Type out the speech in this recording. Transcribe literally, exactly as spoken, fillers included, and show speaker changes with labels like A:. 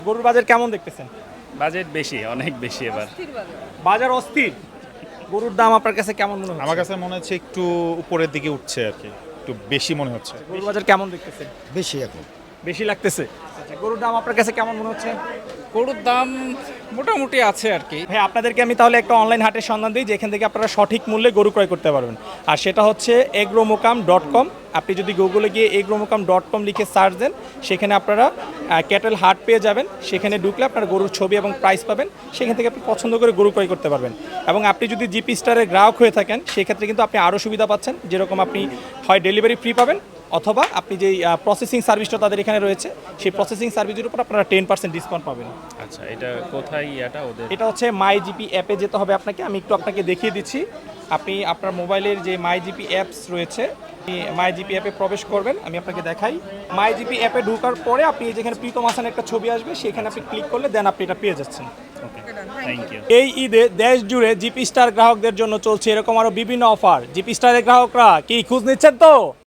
A: গরুর বাজার কেমন দেখতেছেন?
B: বাজেট বেশি, অনেক বেশি এবার।
A: বাজার অস্থির। গরুর দাম আপনার কাছে কেমন মনে হচ্ছে?
C: আমার কাছে মনে হচ্ছে একটু উপরের দিকে উঠছে আর কি, একটু বেশি মনে হচ্ছে।
A: গরুর বাজার কেমন দেখতেছেন?
D: বেশি এখন।
A: বেশি লাগতেছে। আচ্ছা, গরুর দাম আপনার কাছে কেমন মনে হচ্ছে?
E: গরুর দাম মোটামুটি আছে আর কি।
A: ভাই আপনাদেরকে আমি তাহলে একটা অনলাইন হাটের সন্ধান দিই যেখান থেকে আপনারা সঠিক মূল্যে গরু ক্রয় করতে পারবেন। আর সেটা হচ্ছে এগ্রোমোকাম ডট কম। আপনি যদি গুগলে গিয়ে এগ্রোমোকাম ডট কম লিখে সার্চ দেন, সেখানে আপনারা ক্যাটেল হাট পেয়ে যাবেন। সেখানে ঢুকলে আপনারা গরুর ছবি এবং প্রাইস পাবেন। সেখান থেকে আপনি পছন্দ করে গরু ক্রয় করতে পারবেন। এবং আপনি যদি জিপি স্টারের গ্রাহক হয়ে থাকেন, সেক্ষেত্রে কিন্তু আপনি আরও সুবিধা পাচ্ছেন। যেরকম আপনি হয় ডেলিভারি ফ্রি পাবেন, অথবা আপনি যেই প্রসেসিং সার্ভিসটা তাদের এখানে রয়েছে, সেই প্রসেসিং সার্ভিসের উপর আপনারা টেন পার্সেন্ট ডিসকাউন্ট পাবেন।
B: আচ্ছা, এটা কোথায় ইয়াটা ওদের?
A: এটা হচ্ছে মাই জিপি অ্যাপে যেতে হবে আপনাকে। আমি একটু আপনাকে দেখিয়ে দিচ্ছি। আপনি আপনার মোবাইলের যে মাই জিপি অ্যাপস রয়েছে, মাই জিপি অ্যাপে প্রবেশ করবেন। আমি আপনাকে দেখাই। মাই জিপি অ্যাপে ঢোকার পরে আপনি যেখানে প্রীতম হাসান একটা ছবি আসবে, সেখানে আপনি ক্লিক করলে দেন আপনি এটা পেয়ে যাচ্ছেন।
B: Okay, thank you.
A: এই ঈদে দেশ জুড়ে জিপি স্টার গ্রাহকদের জন্য চলছে এরকম আরও বিভিন্ন অফার। জিপি স্টারের গ্রাহকরা কি খোঁজ নিচ্ছেন তো?